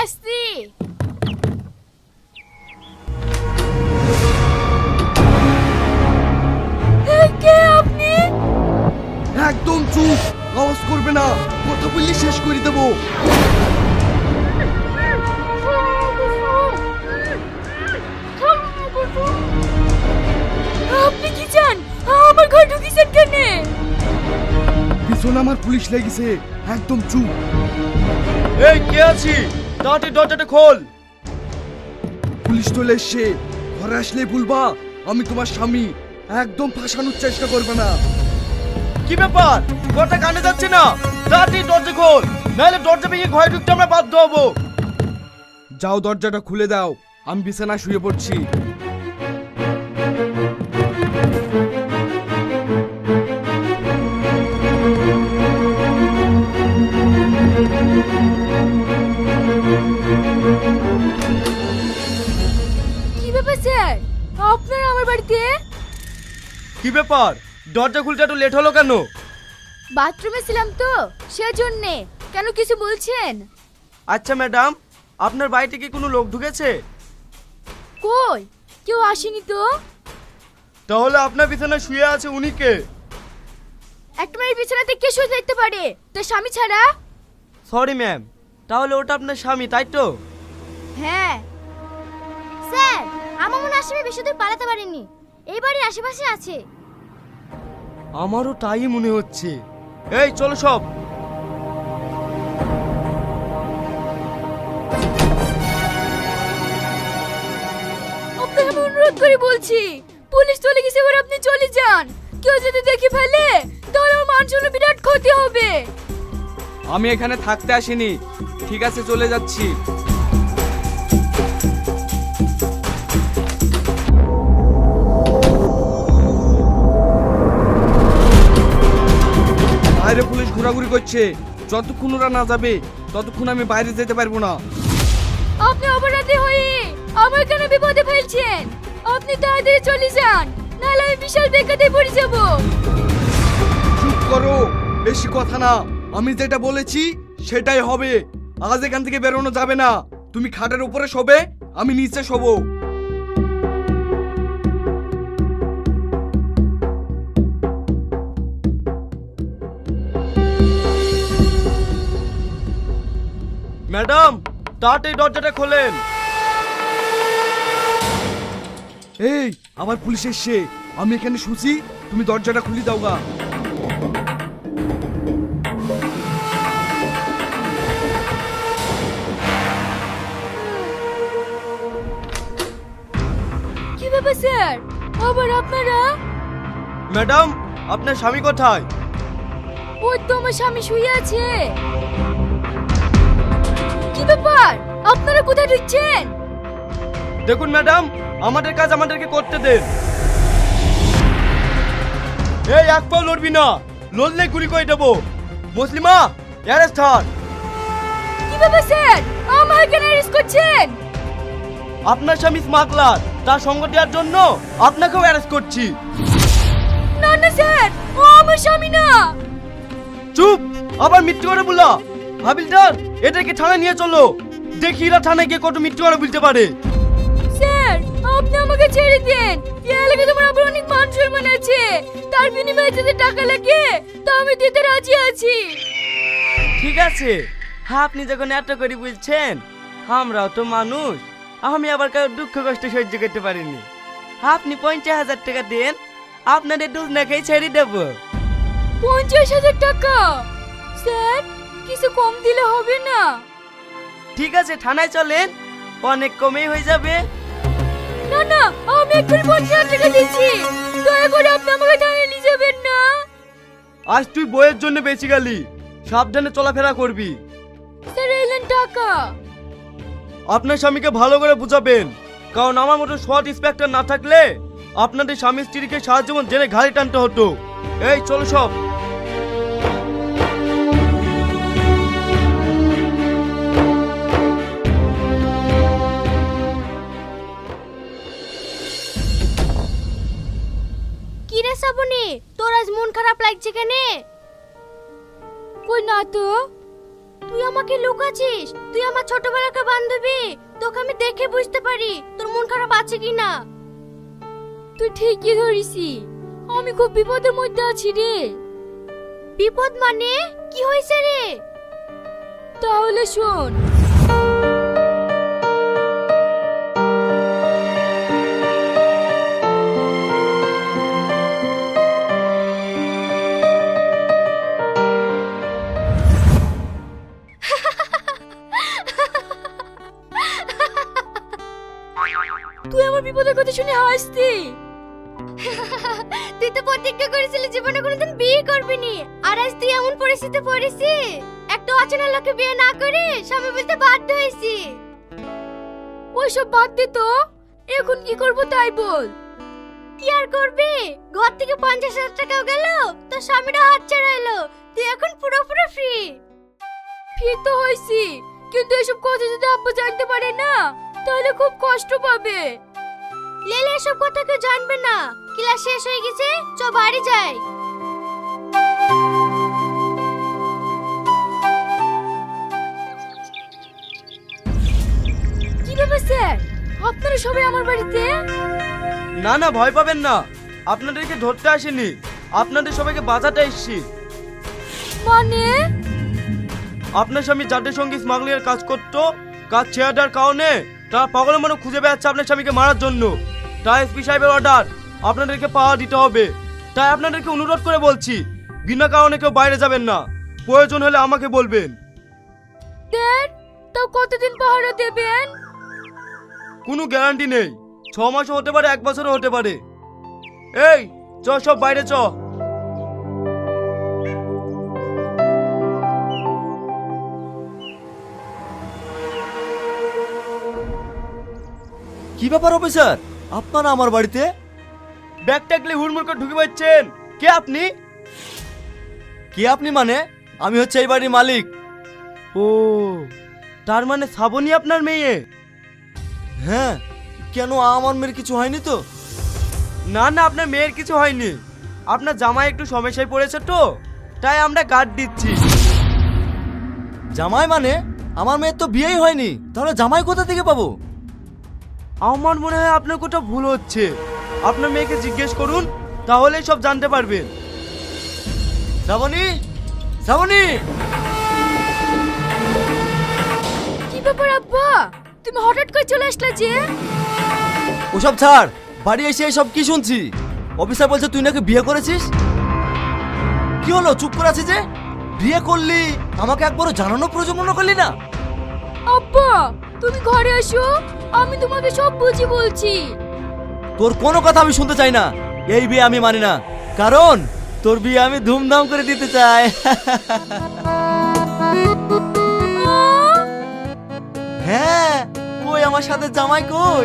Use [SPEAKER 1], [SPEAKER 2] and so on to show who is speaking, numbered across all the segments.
[SPEAKER 1] আসছি। কে আপনি?
[SPEAKER 2] একদম চুপ, আওয়াজ করবে না, কথা বললে শেষ করে দেবো।
[SPEAKER 1] আপনি কি চান? আমার ঘর ঢুকিয়েছেন কেন?
[SPEAKER 2] পিছনে আমার পুলিশ লেগেছে, একদম চুপ।
[SPEAKER 3] এই কে আছি? তাড়াতাড়ি দরজাটা খোল।
[SPEAKER 2] পুলিশ চলে এসছে, ঘরে আসলেই বলবা আমি তোমার স্বামী। একদম ফাঁসানোর চেষ্টা করবে না।
[SPEAKER 3] কি ব্যাপার? কথা কানে যাচ্ছে না? তাড়াতাড়ি দরজা খোল, নাহলে দরজা ভেঙে ঘরে ঢুকতে আমরা বাধ্য হবো।
[SPEAKER 2] যাও দরজাটা খুলে দাও, আমি বিছানায় শুয়ে পড়ছি।
[SPEAKER 1] কি ব্যাপার স্যার, আপনারা আমার বাড়িতে?
[SPEAKER 3] কি ব্যাপার? দরজা খুলতে একটু লেট হলো কেন?
[SPEAKER 1] বাথরুমে ছিলাম তো সেজন্যে। কেন কিছু বলছেন?
[SPEAKER 3] আচ্ছা ম্যাডাম, আপনার বাড়িতে কি কোনো লোক ঢুকেছে?
[SPEAKER 1] কই, কেউ আসেনি তো।
[SPEAKER 3] তাহলে আপনার বিছানায় শুয়ে আছে উনি কে?
[SPEAKER 1] একটা মেয়ের বিছানাতে কে শুয়ে থাকতে পারে তার স্বামী ছাড়া?
[SPEAKER 3] সরি ম্যাম, তাহলে ওটা আপনার স্বামী তাই তো?
[SPEAKER 1] হ্যাঁ স্যার, আমার মনে আসামি বেশি দূর পালাতে পারেনি, এই বাড়ির আশেপাশে আছে।
[SPEAKER 3] আমারও তাই মনে হচ্ছে। এই চলো সব।
[SPEAKER 1] আপনাকে আমি অনুরোধ করে বলছি, পুলিশ চলে গেছে, এবার আপনি চলে যান। কেউ যদি দেখে ফেলে তাহলে আমার মান সম্মানের বিরাট ক্ষতি হবে।
[SPEAKER 2] আমি এখানে থাকতে আসিনি, ঠিক আছে চলে যাচ্ছি। বাইরে পুলিশ ঘোরাঘুরি করছে, যতক্ষণ ওরা না যাবে ততক্ষণ আমি বাইরে যেতে পারবো না।
[SPEAKER 1] আপনি অপরাধী হয়ে আমার কেন বিপদে ফেলছেন? আপনি তাড়াতাড়ি চলে যান, নাহলে আমি বিশাল বিপদে পড়ে যাব।
[SPEAKER 2] চুপ করো, বেশি কথা না। আমি যেটা বলেছি সেটাই হবে। আজ এখান থেকে বেরোনো যাবে না। তুমি খাটের উপরে শোবে, আমি নিচে শোবো।
[SPEAKER 3] ম্যাডাম, তাড়াতাড়ি দরজাটা খোলেন।
[SPEAKER 2] এই আবার পুলিশ এসছে, আমি এখানে শুছি, তুমি দরজাটা খুলে দাও গা।
[SPEAKER 1] কি ব্যাপার স্যার, আবার আপনারা?
[SPEAKER 3] ম্যাডাম, আপনার স্বামী কোথায়?
[SPEAKER 1] ওই তো আমার স্বামী শুয়ে আছে। কি ব্যাপার, আপনারা কোথায় ঢুকছেন?
[SPEAKER 3] দেখুন ম্যাডাম, আমাদের কাজ আমাদেরকে করতে দেন। এই এক পাও লড়বি না, লড়লে গুলি করে দেবো। মুসলিমা, অ্যারেস্ট হন।
[SPEAKER 1] কি ব্যাপার স্যার, আমার কেন অ্যারেস্ট করছেন?
[SPEAKER 3] আপনার স্বামী স্মাগলার, তার সঙ্গ দেওয়ার জন্য আপনাকেও অ্যারেস্ট করছি।
[SPEAKER 1] না না স্যার, ও আমার স্বামী না।
[SPEAKER 3] চুপ, আবার মৃত্যু করে বলা। হাবিলদার, এটাকে থানায় নিয়ে চলো, দেখি এরা থানায় গিয়ে কত মৃত্যু করে বলতে পারে।
[SPEAKER 1] স্যার, আপনি আমাকে ছেড়ে দেন। এই এলাকায় তোমার আবার অনেক মান সম্মান আছে, তার বিনিময়ে যদি টাকা লাগে তা আমি দিতে রাজি আছি।
[SPEAKER 3] ঠিক আছে, আপনি যখন এত করে বলছেন, আমরাও তো মানুষ। আমি আবার কারো দুঃখ কষ্ট সহ্য করতে পারিনি। আপনি 50,000 টাকা দেন, আপনাদের দুজনাকেই ছেড়ে দেবো।
[SPEAKER 1] 50,000 টাকা? স্যার, কিছু কম দিলে হবে না?
[SPEAKER 3] ঠিক আছে, থানায় চলেন, অনেক কমেই হয়ে যাবে।
[SPEAKER 1] না না, আমি এক্ষুনি 50,000 টাকা দিচ্ছি, দয়া করে আপনি আমাকে থানায় নিয়ে যাবেন না।
[SPEAKER 3] আজ তুই বইয়ের জন্য বেঁচে গেলি, সাবধানে চলাফেরা করবি।
[SPEAKER 1] স্যার, এলেন টাকা।
[SPEAKER 3] আপনার স্বামীকে ভালো করে বুঝাবেন, কারণ আমার মতো সৎ ইন্সপেক্টর না থাকলে আপনাদের স্বামী স্ত্রীকে সারা জীবন জেনে ঘাড়ি টানতে হতো। এই চলো সব।
[SPEAKER 1] কি রে শ্রাবণী, তোর আজ মন খারাপ লাগছে কেন? কই না তো। তুই আমাকে লুকাচ্ছিস? তুই আমার ছোটবেলাকার বান্ধবী, তোকে আমি দেখে বুঝতে পারি তোর মন খারাপ আছে কিনা। তুই ঠিকই ধরিসি, আমি খুব বিপদের মধ্যে আছি রে। বিপদ মানে কি হয়েছে রে? তাহলে শোন। তুই আমার বিপদের কথা শুনে হাসতি। তুই তো প্রতিজ্ঞা করেছিলি জীবনে কোনোদিন বিয়ে করবি নি, আর আজ তুই এমন পরিস্থিতিতে পড়েছি, একটা অচেনা লোকে বিয়ে না করে স্বামী বলতে বাধ্য হয়েছি। ওইসব বাদ দে তো, এখন কি করবো তাই বল। কি আর করবি, ঘর থেকে 50,000 টাকাও গেল, তোর স্বামীরা হাত ছাড়াইলো, তুই এখন পুরোপুরি ফ্রি। ফ্রি তো হয়েছি, কিন্তু এসব কথা যদি আব্বু জানতে পারে না তাহলে খুব কষ্ট পাবে। লেলে এসব কথা কেউ জানবে না। ক্লাস শেষ হয়ে গেছে, চ বাড়ি যাই। কি ব্যাপার স্যার, আপনারা সবাই আমার বাড়িতে?
[SPEAKER 3] না না, ভয় পাবেন না, আপনাদেরকে ধরতে আসেনি, আপনাদের সবাইকে বাঁচাতে এসেছি।
[SPEAKER 1] মানে?
[SPEAKER 3] আপনার স্বামী যাদের সঙ্গে স্মাগলিং এর কাজ করতো, কাজ ছেড়ে দেওয়ার কারণে তার পাগলের মনে খুঁজে বেড়াচ্ছে আপনার স্বামীকে মারার জন্য। তাই এসপি সাহেবের অর্ডার, আপনাদেরকে পাওয়া দিতে হবে। তাই আপনাদেরকে অনুরোধ করে বলছি, বিনা কারণে কেউ বাইরে যাবেন না, প্রয়োজন হলে আমাকে বলবেন।
[SPEAKER 1] স্যার, তাও কতদিন পাহারা দেবেন?
[SPEAKER 3] কোনো গ্যারান্টি নেই, 6 মাসও হতে পারে, 1 বছরও হতে পারে। এই চ, সব বাইরে চ।
[SPEAKER 4] কি ব্যাপার অফিসার, আপনারা আমার বাড়িতে?
[SPEAKER 3] ব্যাগ টাকলে হুড়মুড় করে ঢুকে পাচ্ছেন। কে আপনি?
[SPEAKER 4] কি আপনি মানে? আমি হচ্ছে এই বাড়ির মালিক।
[SPEAKER 3] ও, তার মানে শ্রাবণী আপনার মেয়ে?
[SPEAKER 4] হ্যাঁ, কেন আমার মেয়ের কিছু হয়নি তো?
[SPEAKER 3] না না, আপনার মেয়ের কিছু হয়নি, আপনার জামাই একটু সমস্যায় পড়েছে তো, তাই আমরা গার্ড দিচ্ছি।
[SPEAKER 4] জামাই মানে? আমার মেয়ের তো বিয়েই হয়নি, তাহলে জামাই কোথা থেকে পাবো?
[SPEAKER 3] আমার মনে হয় আপনার কোথাও ভুল হচ্ছে, আপনার মেয়েকে জিজ্ঞেস করুন, তাহলেই সব জানতে পারবেন।
[SPEAKER 4] শ্রাবণী, শ্রাবণী!
[SPEAKER 1] কি ব্যাপার আব্বা, তুমি হঠাৎ করে চলে আসলে যে?
[SPEAKER 4] ওসব ছাড়, বাড়ি এসে সব কি শুনছি? অফিসার বলছে তুই নাকি বিয়ে করেছিস। কি হলো, চুপ করে আছিস যে? বিয়ে করলি, আমাকে একবারও জানানোর প্রয়োজন মনে করলি না?
[SPEAKER 1] আব্বা, তুমি ঘরে এসো, আমি তোমাকে সব বুঝি বলছি।
[SPEAKER 4] তোর কোনো কথা আমি শুনতে চাই না, এই বিয়ে আমি মানি না, কারণ তোর বিয়ে আমি ধুমধাম করে দিতে চাই। হ্যাঁ, কই আমার সাথে জামাই কই?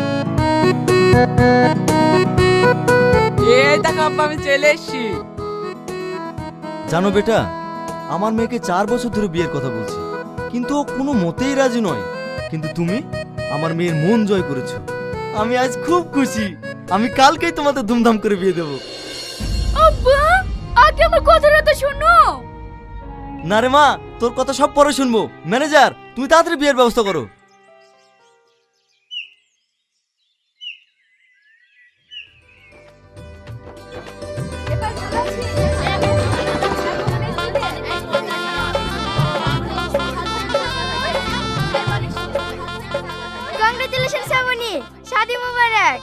[SPEAKER 5] এই দেখো আব্বা, আমি চলে এসেছি।
[SPEAKER 4] জানো বেটা, আমার মেয়েকে 4 বছর ধরে বিয়ের কথা বলছি, কিন্তু ও কোনো মতেই রাজি নয়। কিন্তু তুমি আমার মেয়ের মন জয় করেছো, আমি আজ খুব খুশি। আমি কালকেই তোমাদের ধুমধাম করে বিয়ে দেবো।
[SPEAKER 1] আব্বা, আগে আমার কথাটা তো শোনো।
[SPEAKER 4] না রে মা, তোর কথা সব পরে শুনবো। ম্যানেজার, তুমি তাড়াতাড়ি বিয়ের ব্যবস্থা করো।
[SPEAKER 1] কংগ্রেচুলেশন শ্রাবণী, শাদি মুবারক।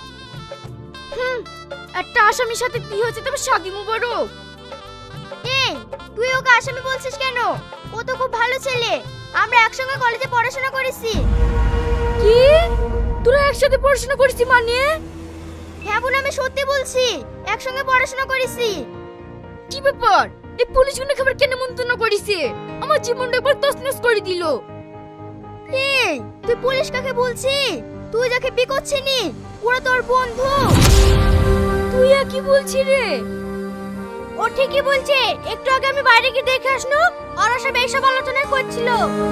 [SPEAKER 1] একটা আসামির সাথে কি হয়েছে তবে শাদি মুবারক? এই, তুই ওকে আসামি বলছিস কেন? ও তো খুব ভালো ছেলে, আমরা একসঙ্গে কলেজে পড়াশোনা করেছি। কি, তোরা একসাথে পড়াশোনা করেছিস মানে? হ্যাঁ বোন, আমি সত্যি বলছি, একসঙ্গে পড়াশোনা করেছি। কি ব্যাপার, এই পুলিশগুলো খবর কেন মন্তব্য করেছে? আমার জীবনটা একবার তছনছ করে দিল। এই, তুই পুলিশ কাকে বলছি? তুই যাকে বিয়ে করছিনি, ওরা তোর বন্ধু। তুই কি বলছিস রে? ও ঠিকই বলছে, একটু আগে আমি বাইরে গিয়ে দেখে আসলো, ওরা সব এইসব আলোচনা করছিল।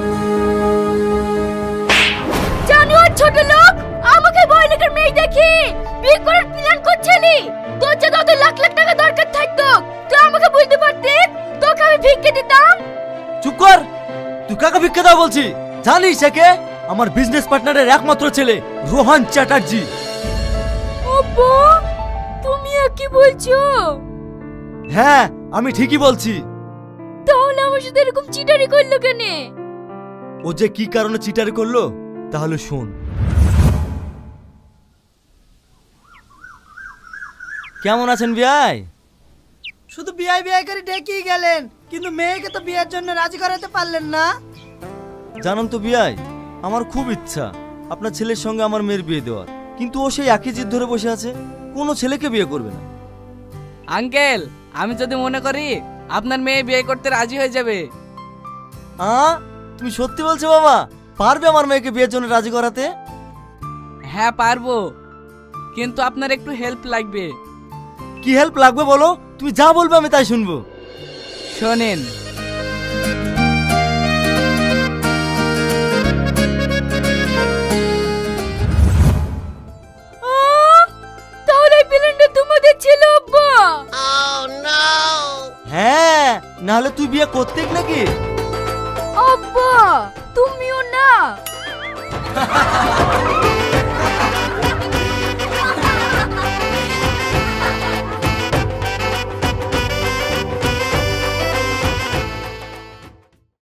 [SPEAKER 1] জানোয়ার ছোট লোক, আমাকে বয়লিকের মেয়ে দেখি বিয়ে করার প্ল্যান করছিলি। তোর যে কত লাখ লাখ টাকা দরকার থাকতো, তুই আমাকে বলতে পারতিস, তোকে আমি ভিক্ষে দিতাম।
[SPEAKER 4] চুপ কর, তুই কাকে ভিক্ষা দাও বলছি? জানিস একে? আমার বিজনেস পার্টনারের একমাত্র ছেলে রোহান চ্যাটার্জি।
[SPEAKER 1] আব্বা তুমি কি বলছো?
[SPEAKER 4] হ্যাঁ, আমি ঠিকই বলছি।
[SPEAKER 1] তাহলে আমার সাথে এরকম চিটারি করলো কেন?
[SPEAKER 4] ও যে কি কারণে চিটারি করলো তাহলে শোন। কেমন আছেন বিয়াই?
[SPEAKER 6] শুধু বিয়ে বিয়ে করে ডেকেই গেলেন, কিন্তু মেয়েকে তো বিয়ের জন্য রাজি করাতে পারলেন না।
[SPEAKER 4] জানেন তো বিয়াই, আমার খুব ইচ্ছা আপনার ছেলের সঙ্গে আমার মেয়ের বিয়ে দেওয়ার, কিন্তু ও সেই একই জিদ ধরে বসে আছে, কোনো ছেলেকে বিয়ে করবে না।
[SPEAKER 5] আঙ্কেল, আমি যদি মনে করি আপনার মেয়ে বিয়ে করতে রাজি হয়ে যাবে।
[SPEAKER 4] তুমি সত্যি বলছো বাবা? পারবে আমার মেয়েকে বিয়ের জন্য রাজি করাতে?
[SPEAKER 5] হ্যাঁ পারবো, কিন্তু আপনার একটু হেল্প লাগবে।
[SPEAKER 4] কি হেল্প লাগবে বলো? তুমি যা বলবে আমি তাই শুনবো।
[SPEAKER 5] শোনেন,
[SPEAKER 1] তাহলে প্ল্যানটা তোমাদের ছিল আব্বা?
[SPEAKER 4] হ্যাঁ, নাহলে তুই বিয়ে করতে নাকি?
[SPEAKER 1] আব্বা তুমিও না।